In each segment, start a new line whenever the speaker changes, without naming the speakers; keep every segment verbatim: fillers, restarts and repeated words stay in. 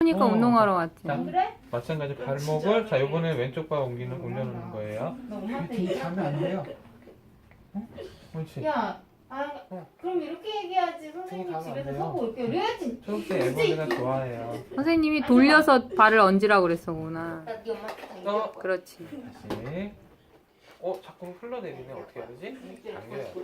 그러니까
어,
운동하러 왔지.
자,
그래?
마찬가지 발목을 자 이번에 왼쪽 발 옮기는 올려놓는 거예요.
너 엄마한테
이렇게
얘기할
가면 안
거야?
돼요. 어? 옳지.
야, 아, 그럼 이렇게 얘기하지. 선생님
가면 안
집에서
돼요.
서고 이렇게 그래야지.
초록색 애벌레가 좋아해요.
선생님이 돌려서 발을 얹으라고 그랬어구나.
나네 엄마한테 다
어.
얘기할 거야.
그렇지.
다시. 어 자꾸 흘러내리네. 어떻게 해야 되지? 당겨야 돼.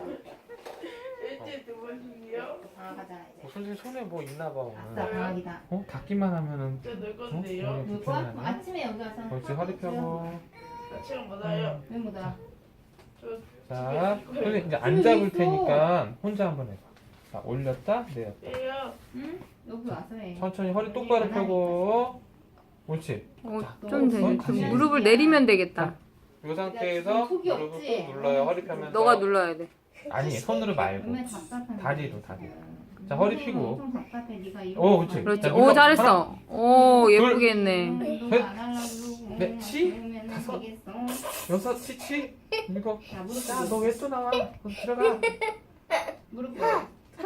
일주일 두 번씩이요?
아, 가자
어,
이제.
선생님 손에 뭐 있나 봐
아싸,
오늘.
방학이다.
어 닦기만 하면은.
저 늘
어?
건데요.
오늘
누구?
불편하네.
아침에 여기 와서.
옳지 허리 펴고.
아침은 뭐다요?
왜 못와?
저
자, 선생님 이제 안 잡을 테니까 혼자 한번 해봐. 자, 올렸다, 내렸다.
예요.
응? 여기 와서 해.
천천히 허리 똑바로 펴고. 옳지.
어,
자,
좀 되,
어,
좀
다시.
무릎을 내리면 되겠다.
이 상태에서
지금 속이
무릎을
없지?
꾹 눌러요. 허리 펴면서.
너가 눌러야 돼.
아니, 손으로 말고.
얼마나 답답한
다리로,
거야,
다리로.
지금.
자, 허리
선생님은
펴고.
엄청 답답해. 네가 이러고
어, 그렇지.
있어.
그렇지.
자,
오,
눌러.
잘했어. 오, 예쁘게 했네.
운동 안 하려고 그러고.
넷, 치,
그러면은
다섯.
되겠어.
여섯, 치치, 일곱.
자, 무릎
야, 너 왜 또 나와? 너 들어가.
무릎 꿇어.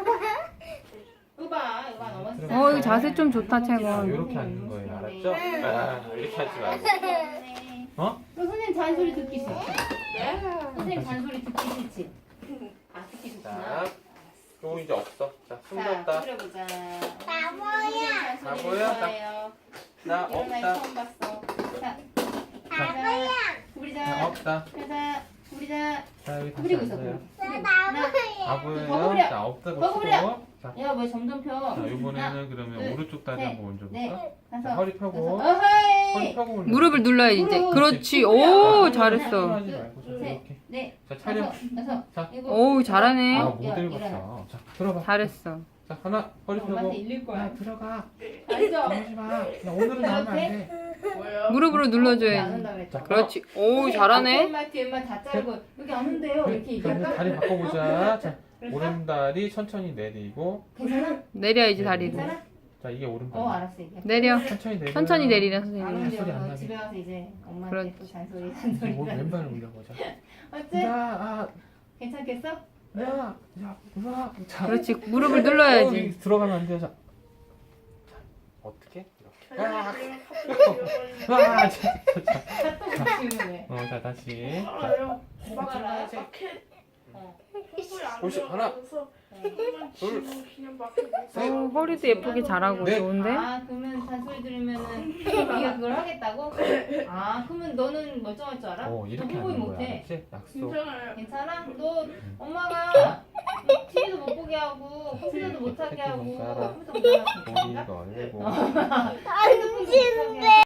이거 봐, 이거 봐, 넘어졌어.
어, 이거 자세 좀 좋다,
자,
채권.
이렇게 앉는 거예요. 알았죠? 아, 이렇게 하지 말고. 어?
너 선생님 잔소리 듣기 싫지?
네?
선생님 잔소리 듣기 싫지? 아, 듣기 좋구나.
자, 그거 이제 없어. 자, 숨
자,
졌다.
그려보자.
바보야.
잔소리
바보야?
좋아해요.
나
이런 날
없다.
처음 봤어. 자,
바보야.
나
구부리자.
없다.
가자, 구부리자.
자, 여기 다시
구부리고 있어.
앉아요.
구부리고.
바보예요.
버무려.
자, 없다고
버무려.
치고. 자,
야, 왜 점점 펴?
자, 이번에는 그러면
둘,
오른쪽 다리
셋,
한번 얹어볼까?
네,
자,
다섯.
허리 펴고.
여섯. 어허이.
허리 펴고 올려.
무릎을 눌러야지, 이제.
무릎.
그렇지. 오,
자,
잘했어.
하지 말고 자,
셋,
이렇게.
넷,
자, 차려.
다섯, 여섯,
자.
일곱.
오우, 잘하네.
아,
야,
못
일어나.
읽었어. 자, 들어봐.
잘했어.
자, 하나, 허리 펴고.
엄마한테 일릴
야,
거야.
들어가.
알죠?
나오지 마. 야, 오늘은 나오면 안 돼.
뭐요?
무릎으로
안
눌러줘야지.
온다 그랬죠?
그렇지. 오우, 잘하네.
앞에만 뒤에만 다 자르고 여기 안 온대요. 이렇게
그럼
얘기할까?
다리 바꿔보자. 자,
그럴까?
오른다리 천천히 내리고.
괜찮아?
내려야지, 다리를.
괜찮아?
자, 이게 오른다리.
어, 알았어 얘기해.
내려.
천천히 내려.
천천히 내리래,
안
선생님.
온대요.
소리 안
너
나게.
집에 가서 이제 엄마한테
그렇지.
또 잔소리
이제
잔소리
뭐
잔소리.
왼발을 올려보자.
어째?
야, 아,
괜찮겠어?
야, 야, 우와. 자,
그렇지. 무릎을
어,
눌러야지.
여기 들어가면 안 돼요. 자, 자 어떻게? 이렇게. 아, 아, 자, 자, 자.
또 붙이는 왜?
어, 자, 다시. 자,
알아요.
막 들어가야지.
어.
혹시 하나, 둘,
어, 허리도 예쁘게 잘하고
넷.
좋은데?
아, 그러면 잔소리 들으면은 네가 그걸 하겠다고? 아, 그러면 너는 멀쩡할 줄 알아?
어, 이렇게
너
하는
홍보이
거야.
못해.
알았지? 약속.
괜찮아요.
괜찮아? 너 엄마가 티비도 못 보게 하고 컴퓨터도 못 하게 하고
새끼 눈 깔아.
컴퓨터 못 하게 하고
머리
괜찮아?
걸고.
아,